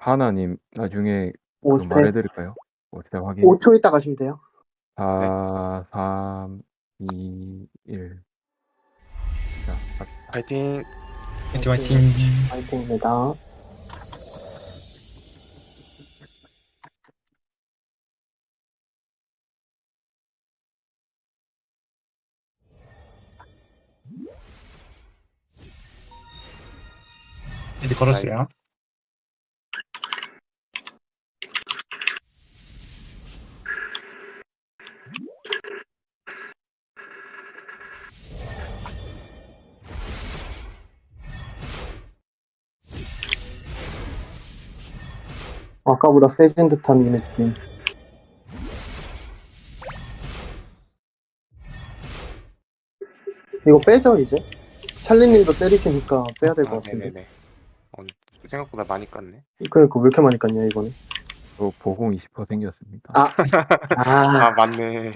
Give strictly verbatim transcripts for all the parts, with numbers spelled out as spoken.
하나님 나중에 오 그 스택. 말해드릴까요? 어 제가 확인. 오 초 있다 가시면 돼요. 네. 사, 삼, 이, 일. 자, 갑시다. 파이팅. 화이팅 화이팅. 화이팅입니다. 이제 걸었어요. 아까보다 세진 듯한 이 느낌. 이거 빼죠 이제? 찰리님도 때리시니까 빼야 될 것 아, 같은데. 네네네. 어, 생각보다 많이 깠네. 그러니까 왜 이렇게 많이 깠냐 이거는. 저 보공 이십 퍼센트 생겼습니다. 아, 아, 아, 맞네.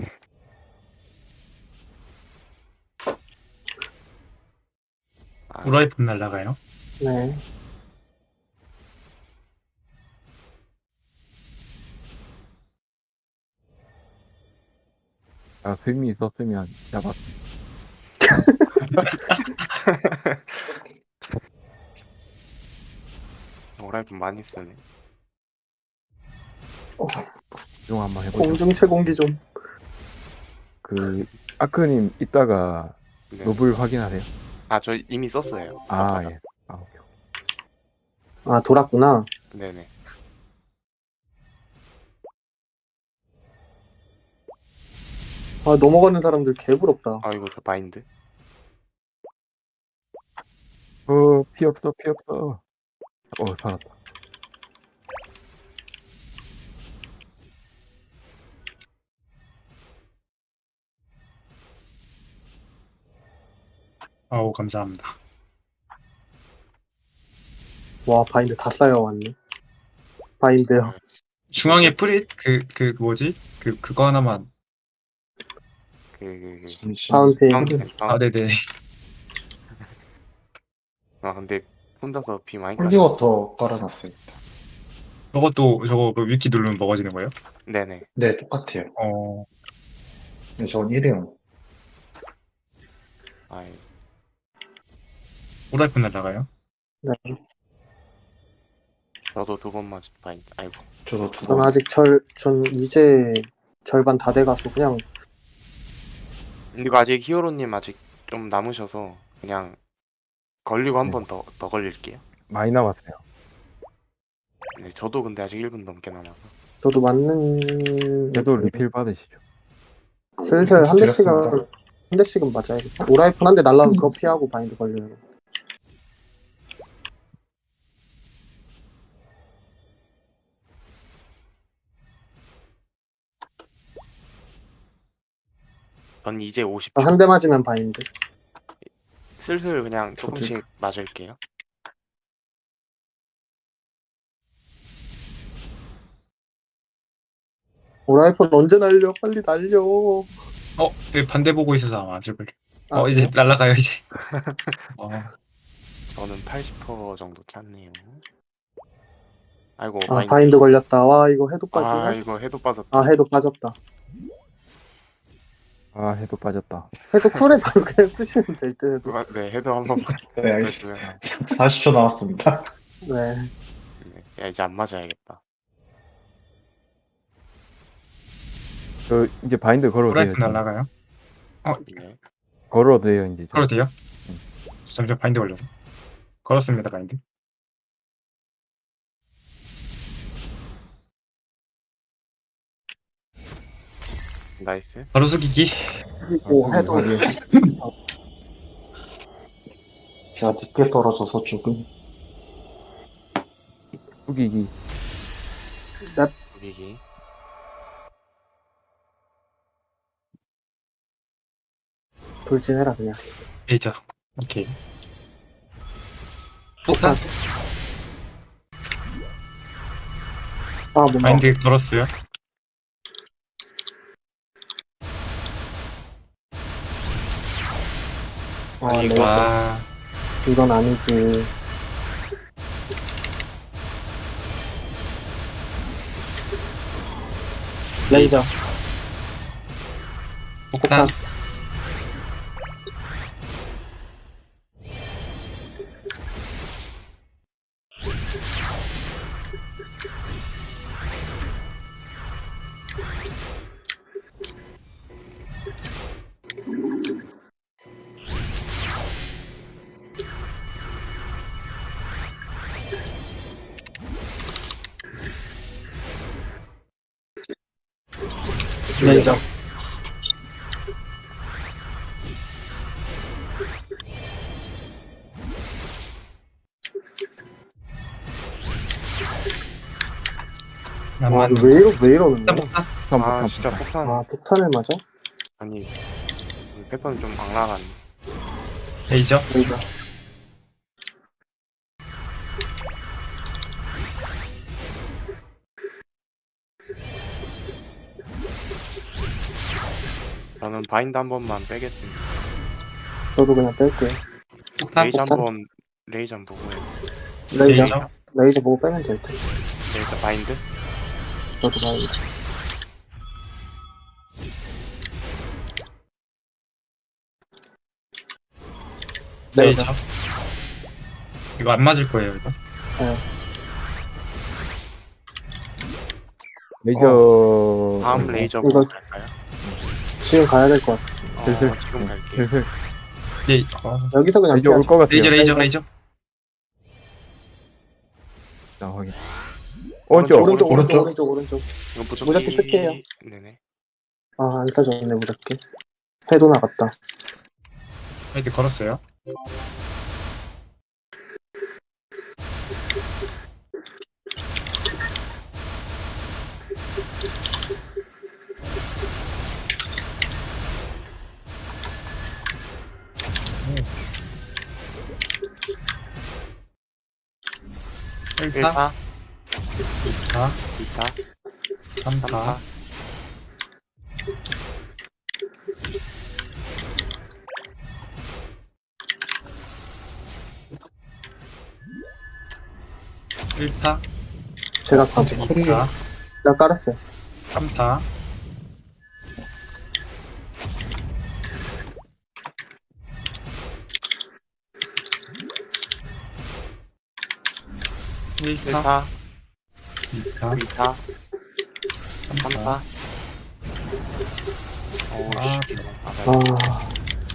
아, 우라이폰 날라가요. 네. 아, 스미 있었으면 잡았. 오라이폰 많이 쓰네. 중 한번 해보죠. 공중 채공기 좀. 그 아크님 이따가 네. 노블 확인하세요. 아, 저 이미 썼어요. 아 아까. 예. 아 오케이. 아 돌았구나. 네네. 아 넘어가는 사람들 개부럽다. 아, 이거 저 바인드. 어, 피 없어, 피 없어. 어, 살았다. 아우 감사합니다. 와 바인드 다 쌓여왔네. 바인드요. 중앙에 프릿 그 그 뭐지? 그 그거 하나만. 그, 그, 그. 파운틴. 파운틴, 아 파운틴. 네네. 아, 근데 혼자서 비 많이 깠어. 홀리워터 깔아놨어요. 저것도 저거 그 위키 누르면 먹어지는 거예요? 네네. 네, 똑같아요. 어. 근데 전 일회용. 아, 우라이폰 날라가요. 네. 저도 두 번 맞은 바인드. 아이고. 저도 두 전 번. 아직 절, 전 이제 절반 다 돼가서 그냥 그리고 아직 히어로님 아직 좀 남으셔서 그냥 걸리고 한 네. 번 더 더 걸릴게요. 많이 남았어요. 네, 저도 근데 아직 일 분 넘게 남아서. 저도 맞는. 그래도 리필 받으시죠. 슬슬 한 대씩은 드렸습니다. 한 대씩은 맞아야겠다. 오라이폰 한 대 날라면 그거 피하고 바인드 걸려요. 전 이제 오십 초. 한 대 맞으면 바인드. 슬슬 그냥 저도. 조금씩 맞을게요. 오라이폰 언제 날려? 빨리 날려. 어, 여기 반대 보고 있어서 아마 죽을. 아, 어 이제 날라가요 이제. 어. 저는 팔십 퍼센트 정도 찼네요. 아이고, 아 바인드. 바인드 걸렸다. 와 이거 해도 빠지나? 아, 이거 해도 빠졌다. 아 해도 빠졌다. 아, 해도 빠졌다. 해도 쿨에 바로 그냥 쓰시면 될 듯. 해도. 아, 네, 해도 한번 네, 알겠습니다. 사십 초 남았습니다. 네. 네. 야, 이제 안 맞아야겠다. 저 이제 바인드 걸어도 돼요. 우라이폰 날라가요. 어, 네. 걸어도 돼요, 이제. 저. 걸어도 돼요? 응. 잠시만 바인드 걸려서. 걸었습니다 바인드. 나이스. 바로 숙이기. 그리고 아, 해도 확인. 제가 늦게 떨어져서 조금. 후기기. 여기. 돌진해라 그냥. 레이저. 오케이. 폭탄. 아 뭔가. 바인드 걸었어요. 아 네. 와. 이건 아니지. 레이저. 폭탄. 레이저. 와, 남만. 왜, 이러, 왜 이러는 폭탄 거야? 폭탄. 폭탄 아 폭탄 진짜 폭탄. 폭탄 아, 폭탄을 맞아? 아니 패턴이 좀 악랄한. 레이저. 레이저. 저는 바인드 한 번만 빼겠습니다. 저도 그냥 뺄게요. 폭탄. 레이저 폭탄? 한번 레이저 한번 보고 해요. 레이저. 레이저. 레이저 보고 빼면 될 듯. 레이저 바인드. 저도 레이저. 레이저. 이거 안 맞을 거예요, 이거. 레이저. 다음 어, 레이저 이거- 보고 갈까요? 지금 가야 될 것 같아. 어, 슬슬. 지금 갈게요. 슬슬 레이, 어. 여기서 그냥 레이저 올 피하자. 것 같아요. 레이저, 레이저, 레이저. 자, 확인. 오른쪽. 오른쪽, 오른쪽, 오른쪽. 오른쪽, 오른쪽. 이거 무조건 무작위 쓸게요. 네네. 아, 안 써졌네, 무작위. 해도 나갔다. 헤드 걸었어요. 일 타, 일 타, 이 타, 이 타, 삼 삼 타, 타. 일 타, 제가 가. 이 타, 나 깔았어요. 삼 타, 일 일 타, 타, 이 타, 이 타, 삼 삼 타. 타. 어우 아, 씨. 아, 아,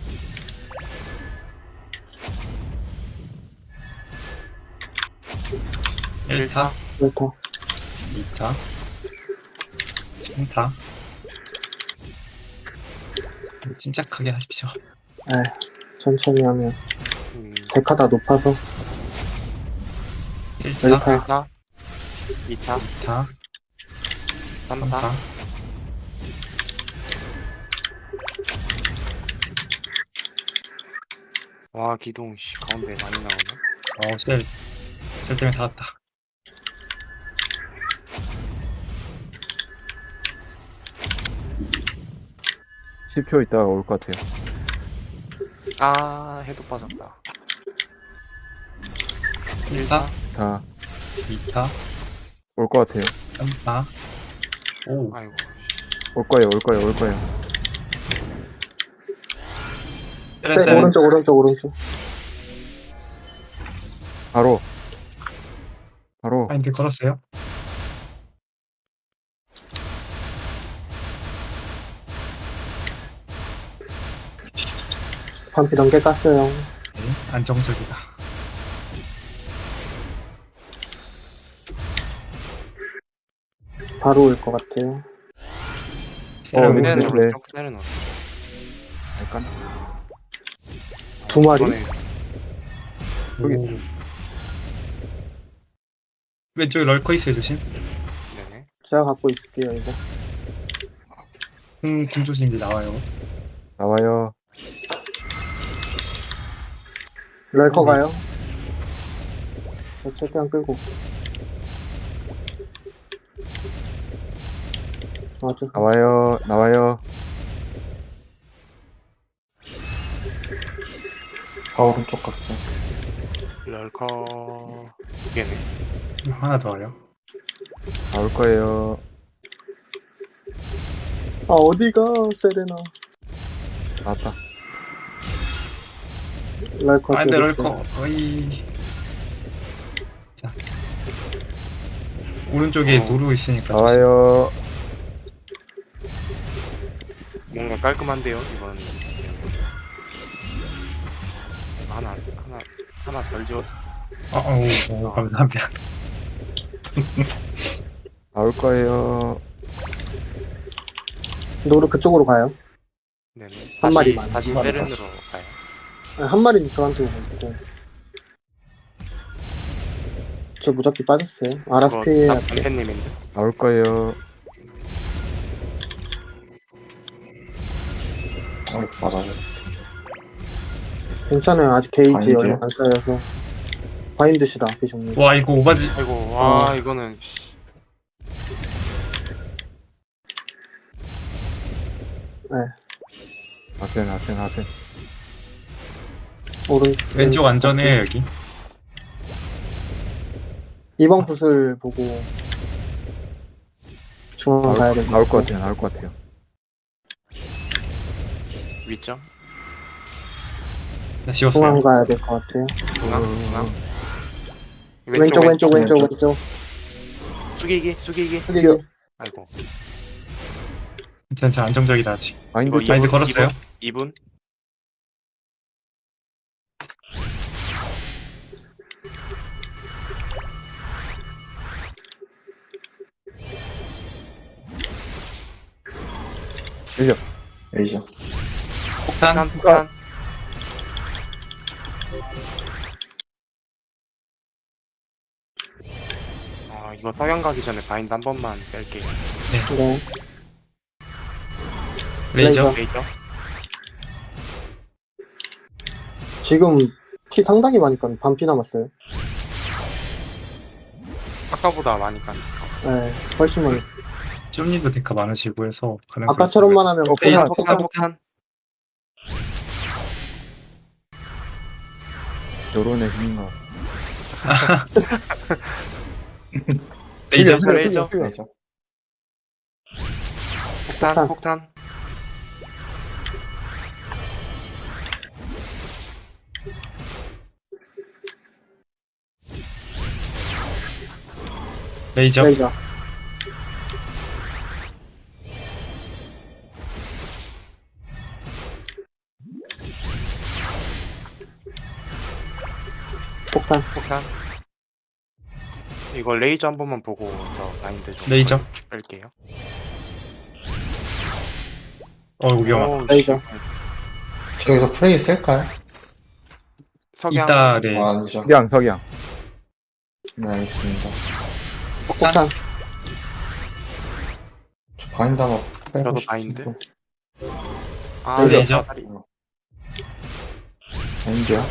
일 타, 그렇다. 이 타, 삼 타. 침착하게 하십시오. 에 천천히 하면. 음, 데카다 높아서. 일 일 타, 타. 일 타, 이 타, 이 타, 삼 삼 타. 타. 와 기둥 씨 가운데 많이 나오네. 어, 셀. 셀 때문에 닿았다. 십 초 있다가 올 것 같아요. 아 해도 빠졌다. 일 타, 다 올 이 타, 것 같아요. 삼 타. 오, 아이고. 올 거예요. 올 거예요. 올 거예요. 셀, 세, 셀. 오른쪽, 오른쪽, 오른쪽. 바로. 바로. 파인드 걸었어요. 반피 넘게 깠어요. 네, 안정적이다. 바로 올 것 같아요. 셀은 네, 세는 네. 오른쪽, 세는 오른쪽. 약간. 두 마리? 이번에 여기. 오. 왼쪽에 럴커 있어요, 조심. 네네. 제가 갖고 있을게요, 이거. 음, 김조심 이제 나와요. 나와요. 럴커 가요. 저 최대한 끌고. 맞아. 나와요. 나와요. 다 오른쪽 갔어. 럴커 두 개네. 하나 더 와요. 나올 거예요. 아 어디가 세레나. 나왔다. 랄코 아, 근데 때렸어. 럴커. 어이. 자. 오른쪽에 어. 노루 있으니까. 나와요. 뭔가 깔끔한데요 이건. 하나 하나 하나 덜 지웠어. 어, 어, 어, 감사합니다. 나올 거예요. 노루 그쪽으로 가요. 네네. 한 다시 마리만, 다시 한 마리만. 세렌으로 가요. 아니, 한 마리는 저한테 오고 있고. 저 무적기 빠졌어요. 알아서 이거 피해야 다 돼. 변태님인데. 나올 거예요. 어, 맞아요. 괜찮아요. 아직 게이지 바인드요? 얼마 안 쌓여서. 바인드시다, 비정님. 와, 이거 오바지. 아이고 와 어. 이거는 씨. 아센, 아센, 아센. 오른 왼쪽 안전해요, 여기. 이번 붓을 보고 중앙 가야 나올, 돼. 나올 것 같아요. 나올 것 같아요. 위점 다 지웠어요. 중앙 가야 될 것 같아요. 중앙 중앙. 왼쪽 왼쪽 왼쪽 왼쪽. 왼쪽. 숙이기 숙이기. 여기 아이고 괜찮죠, 안정적이다, 아직. 마인드 이거 쪽. 마인드 걸었어요. 이 분. 밀려. 레이저. 폭탄. 폭탄 폭탄. 아 이거 석양 가기 전에 바인드 한 번만 뺄게요. 네. 레이저. 레이저. 지금 피 상당히 많이 깐 반피 남았어요. 아까보다 많이 까니까. 네, 훨씬 많이. 쫌님도 데카 많으시고 해서 가능성이 아까처럼만 하면 어, 그냥 폭탄 폭탄 폭탄. 요런의 힘인가. 레이저. 흘려, 레이저. 흘려, 흘려. 레이저. 폭탄 폭탄. 폭탄. 레이저. 레이저. 폭탄. 폭탄. 이거 레이저 한 번만 보고 저 바인드 좀 레이저. 뺄게요. 어, 이거 위험하다. 어우, 레이저. 씨. 저기서 프레이 쓸까요? 석양. 이따, 네. 아, 아니죠. 석양, 석양. 네, 알겠습니다. 폭탄. 저 바인드 한번 빼고 저도 싶은데. 바인드. 아 레이저. 다리. 바인드야?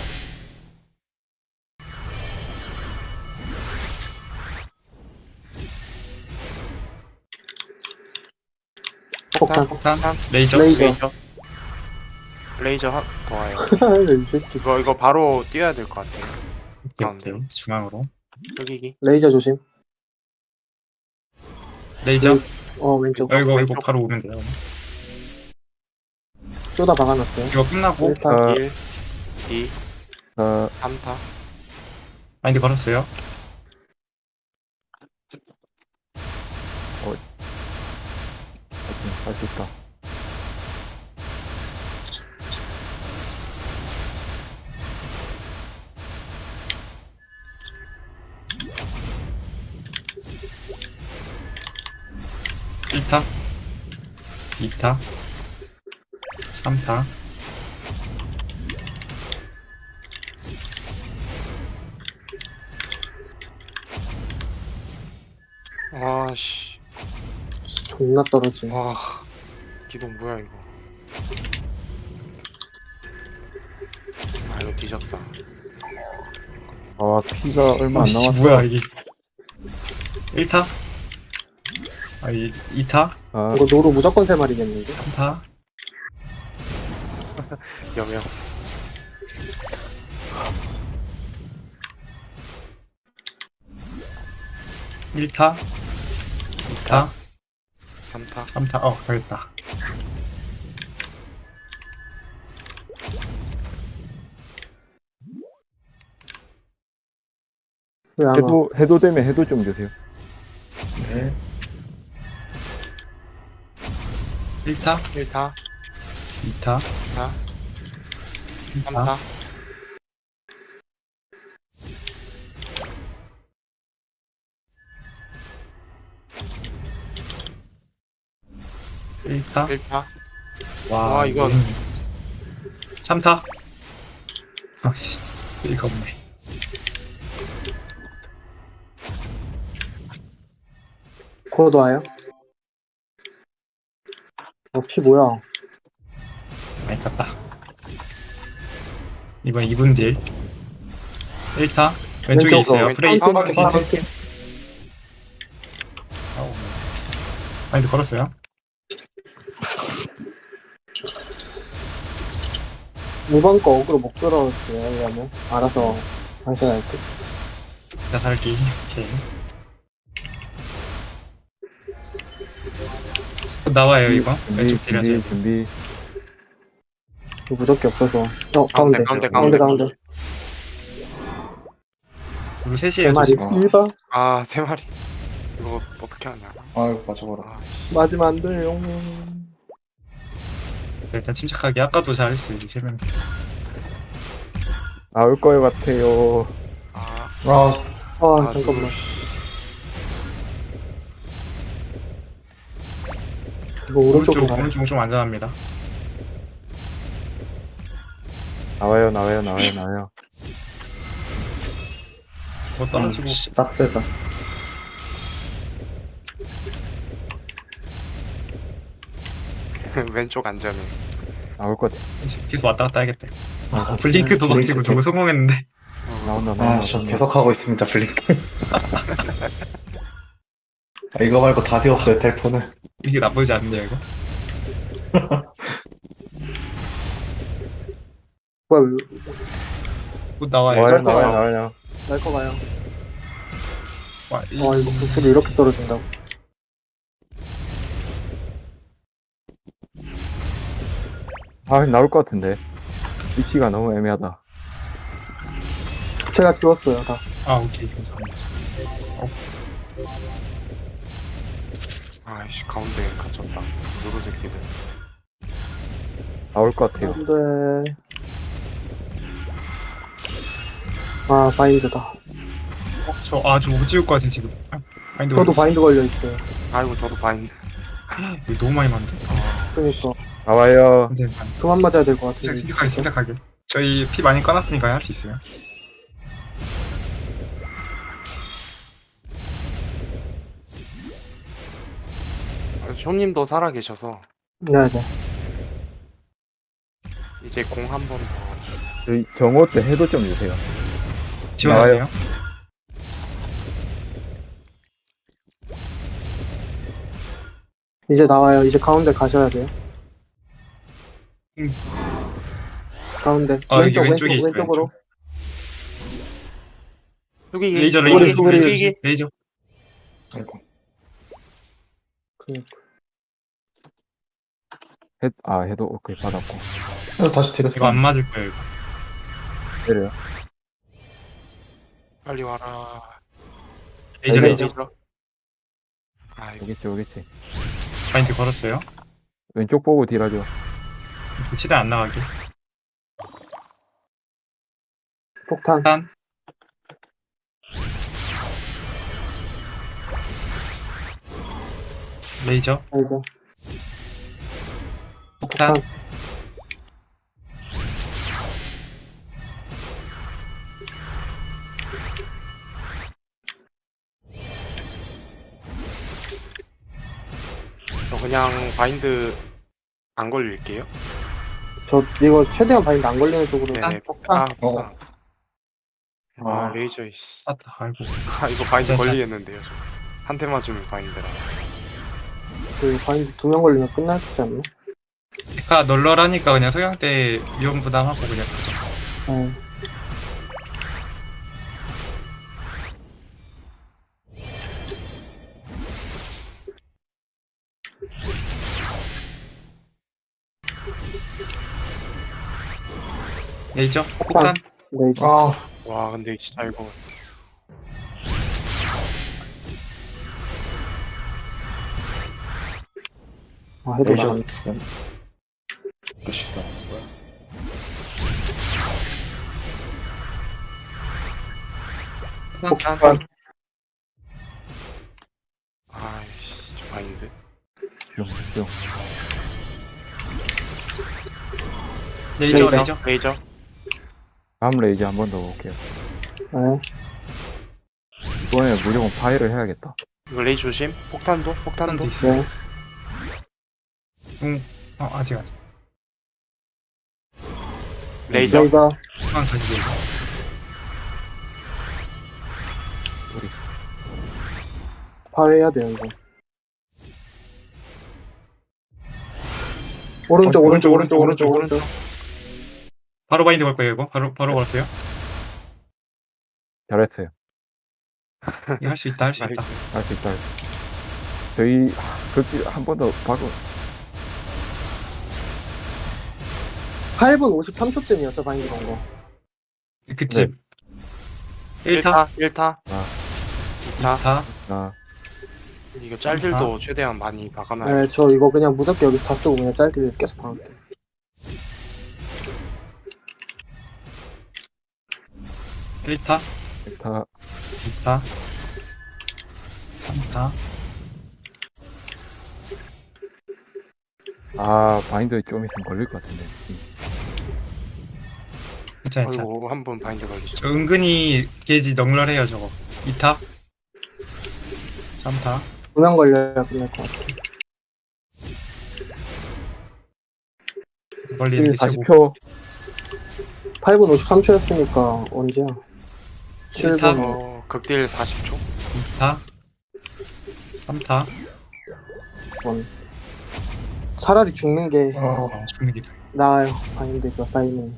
폭탄. 폭탄. 레이저. 레이저. 레이저. 레이저 하, 더 와요. 이 새끼. 이거 이거 바로 뛰어야 될 것 같아요. 오케이, 오케이. 중앙으로. 여기기. 레이저 조심. 레이저. 어 왼쪽. 어, 이거, 이거 왼쪽. 바로 오면 돼요. 쏘다 박아놨어요. 이거 끝나고 일단 아, 일, 이, 아, 삼 타. 마인드 걸었어요. 할 수 있다. 일 타. 이 타. 삼 타. 와씨. 존나 떨어지. 와. 기동 뭐야 이거. 아 이거 뒤졌다. 아, 피가 얼마 안 씨, 남았어. 뭐야, 이게. 일 타. 아, 이, 이 타. 아, 이거 노루 무조건 세 마리겠는데. 삼 타. 여명. 일 타. 이 타. 삼 타. 삼 타. 어, 가겠다. 왜 안 와? 해도 해도 되면 해도 좀 주세요. 네. 일 타, 일 타, 이 타, 이 타, 삼 타, 타, 일 타. 일 타. 와, 와, 이건- 삼 타. 아씨, 이거 없네. 곧 와요? 어, 피 뭐야? 많이 탔다. 이번 이 분 딜. 일 타. 왼쪽에 왼쪽으로, 있어요. 왼쪽. 프레이. 아, 파운틴, 아, 파운틴. 아우. 마인드 걸었어요. 이번 거 어그로 못 끌어올게요. 왜냐면 알아서 당신할게. 자살기. 오케이. 또 나와요 이거. 준비 왼쪽 딜 하세요. 준비 준비. 이거 무적기 없어서. 어, 가운데, 가운데. 가운데, 가운데, 가운데. 가운데. 그리고 세 셋이에요. 마리 조심. 씨바. 아, 세 마리. 이거 어떻게 하냐. 아이고, 맞아버려. 아, 맞으면 안 돼요. 자, 일단 침착하게. 아까도 잘했어요. 이제 세 명. 나올 것 같아요. 아, 아, 아, 아, 잠깐만. 이거 오른쪽으로 오른쪽 가요. 오른쪽 좀 안전합니다. 나와요 나와요 나와요 나와요. 뭐 떨어지고 씨, 빡세다. 왼쪽 안전해. 나올 것 같아. 계속 왔다 갔다 해야겠다. 아, 블링크도 막 지고 너무 성공했는데. 나온다 아, 나온다. 저 나온다. 계속 하고 있습니다, 블링크. 아, 이거 말고 답이 없어요, 텔폰을. 이게 나쁘지 않네요 이거. 뭐야, 왜- 곧 나와요. 나와요 이거. 나와요 나와요. 날거 가요. 와, 이- 아, 이거 부스를 이렇게 떨어진다고. 아 나올 것 같은데. 위치가 너무 애매하다. 제가 지웠어요, 다. 아 오케이 감사합니다. 아이씨, 가운데 갇혔다. 누구 새끼들. 나올 것 같아요. 안 돼. 아, 바인드다. 저아좀 못 지울 것 같아 지금. 아, 바인드 저도 걸렸어. 바인드 걸려있어요. 아이고, 저도 바인드. 이거 너무 많이 만든. 그니까. 나와요. 근데 그만 맞아야 될 것 같아. 그냥 심각하게 심각하게. 저희 피 많이 꺼놨으니까 할 수 있어요. 아, 쇼님도 살아 계셔서 네네. 이제 공 한 번 더. 저희 정오 때 해도 좀 주세요. 지원하세요. 이제 나와요. 이제 가운데 가셔야 돼요. 음. 가운데. 아, 여기 왼쪽, 왼쪽, 왼쪽에 있어요, 왼쪽으로. 여기 레이저 여기, 레이저 여기, 소그리, 레이저 여기, 여기. 레이저. 아이고. 그니까. 해, 아 해도 오케이 받았고. 이거 다시 드렸어. 이거 안 맞을 거예요. 이거. 때려요. 빨리 와라. 레이저 레이저. 레이저. 아이고, 오겠지 오겠지. 바인드 걸었어요. 왼쪽 보고 딜하죠. 치대 안 나가게. 폭탄. 일단 레이저 이제. 폭탄. 폭탄. 저 그냥 바인드 안 걸릴게요. 저, 이거 최대한 바인드 안 걸리는 쪽으로. 네네. 폭탄. 아, 어. 폭탄. 아, 레이저, 이씨. 아, 아이고. 아, 이거 바인드 진짜. 걸리겠는데요, 저. 한 대 맞으면 바인드라. 그 바인드 두 명 걸리면 끝났지 않나? 데카 널널하니까 그냥 석양 때 위험 부담하고 그냥 가죠. 네. 레이저 폭탄. 네, 이제. 아, 와, 근데 진짜 이거 아, 해도 레이저 나간. 두면 끝이다. 폭발. 아이씨 저 바인드. 뿅뿅. 레이저 레이저. 레이저. 레이저. 다음 레이저 한 번 더 볼게요. 네. 이번에 무조건 파이를 해야겠다. 이거 레이저 조심. 폭탄도 폭탄도. 한도 있어. 네. 응. 어 아직 아직. 레이저. 레이저. 한 다시 레이저. 파괴해야 돼요, 이거. 오른쪽, 오른쪽, 오른쪽, 오른쪽, 오른쪽. 바로 바인드 걸 거예요 이거. 바로 바로 걸었어요. 잘했어요. 이거 할 수 있다 할 수 있다. 나이스. 할 수 있다. 저희 그렇게 한 번 더 박은 팔 분 오십삼 초쯤이었죠, 바인드 건 거. 그치. 일 타. 일 타. 아. 이 타. 타. 아, 이거 짤들도 최대한 많이 박아놔요. 네, 저 이거 그냥 무섭게 여기 다 쓰고 그냥 짧게 계속 박을게요. 일 타. 다 이 타. 삼 타. 아, 바인드 좀 있으면 걸릴 것 같은데. 괜찮아 괜찮아. 아이고 한 번 바인드 걸리죠. 저 은근히 게이지 넉넉해요 저거. 이 타. 삼 타. 두명 걸려야 끝날 것 같아. 걸리는 게 최고. 사십 초. 팔 분 오십삼 초였으니까 언제야? 칠 타. 분. 어 극딜 사십 초. 이 타. 삼 타. 번. 차라리 죽는 게 어, 어, 죽는 게 나아요. 바인드 이거 쌓이는.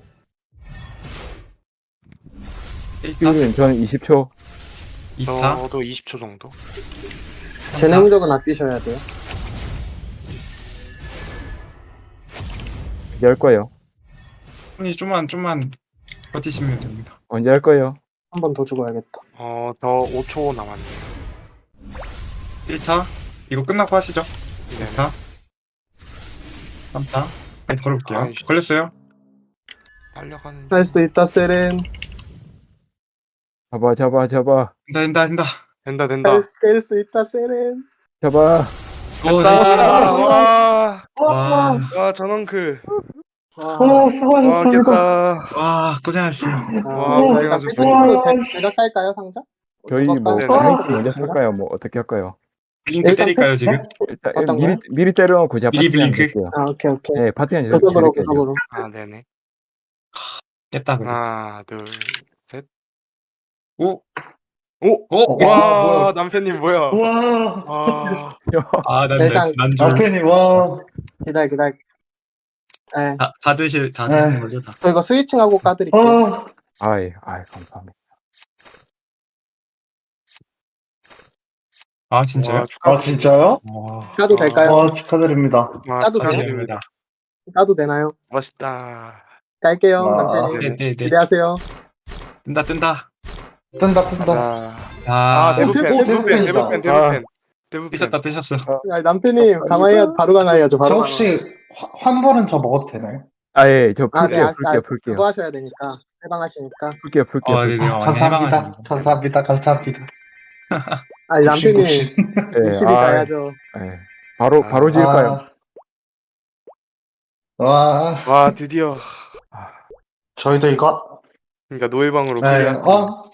일 타. 띠우는 저는 이십 초. 이 타. 저도 이십 초 정도. 제네 무적은 아끼셔야 돼요. 이제 할 거예요. 손이 좀만 좀만 버티시면 됩니다. 언제 할 거예요? 한 번 더 죽어야겠다. 어저 오 초 남았네요. 일 타. 이거 끝나고 하시죠. 네. 이 타. 삼 타. 바인드 걸어볼게요. 아이씨. 걸렸어요. 빨려가는. 할 수 있다, 세렌. 잡아, 잡아, 잡아. 된다 된다 된다. 된다 된다. 깰수 있다, 세렌. 잡아. 오 아, 나이스. 와, 와. 와 전원크. 와, 어, 와 수고하셨습니다. 깼다. 와 고생하셨어요. 와, 아, 고생하셨습니다. 제- 제가 깔까요, 상자? 저희 누가 뭐 깔- 네, 바인드 깔- 먼저 있습니다. 쓸까요? 뭐 어떻게 할까요? 링크 일단 때릴까요 팩- 지금? 일단 어떤 미리 거요? 미리 때려놓고 제가 미리 파티 한 블링크? 줄게요. 아, 오케이, 오케이. 네, 파티 한 구석으로, 줄게요. 구석으로. 아 네네. 깼다 그래. 하나 둘 셋. 오. 오. 오. 와 남편님 뭐야? 우와, 와. 아난 일단- 난줄. 남편이 와. 기다려, 기다려. 네. 다, 다 드실 다 네. 드시는 거죠 다. 저 이거 스위칭하고 까드릴게요. 어, 아이, 아이, 감사합니다. 아 진짜요? 와, 축하. 아, 진짜요? 와. 까도 될까요? 와, 축하드립니다. 와, 까도 축하드립니다. 까도 되나요? 멋있다. 깔게요, 와. 남편님. 네네네. 기대하세요. 뜬다 뜬다. 뜬다, 뜬다. 가자. 아, 아 네. 대부팬 오, 대부팬 대부팬이다. 대부팬 대부팬 대부팬. 뜨셨다 뜨셨어. 아, 남편님, 강화해야, 바로 강화해야죠, 저 바로 강화. 혹시 화- 환불은 저 먹어도 되나요? 아, 예, 저 아, 네, 풀게요, 아, 풀게요, 아, 풀게요. 그거 하셔야 되니까. 해방하시니까. 풀게요, 풀게요. 아 풀게요. 네네. 완전 감사합니다. 해방하시네. 감사합니다. 감사합니다. 아니, 남편님, 굽신, 굽신. 예, 이십이 아, 가야죠. 예. 바로, 바로 지을까요? 아, 와, 와 드디어. 저희도 이거. 그러니까 노예방으로 네, 클리어. 어,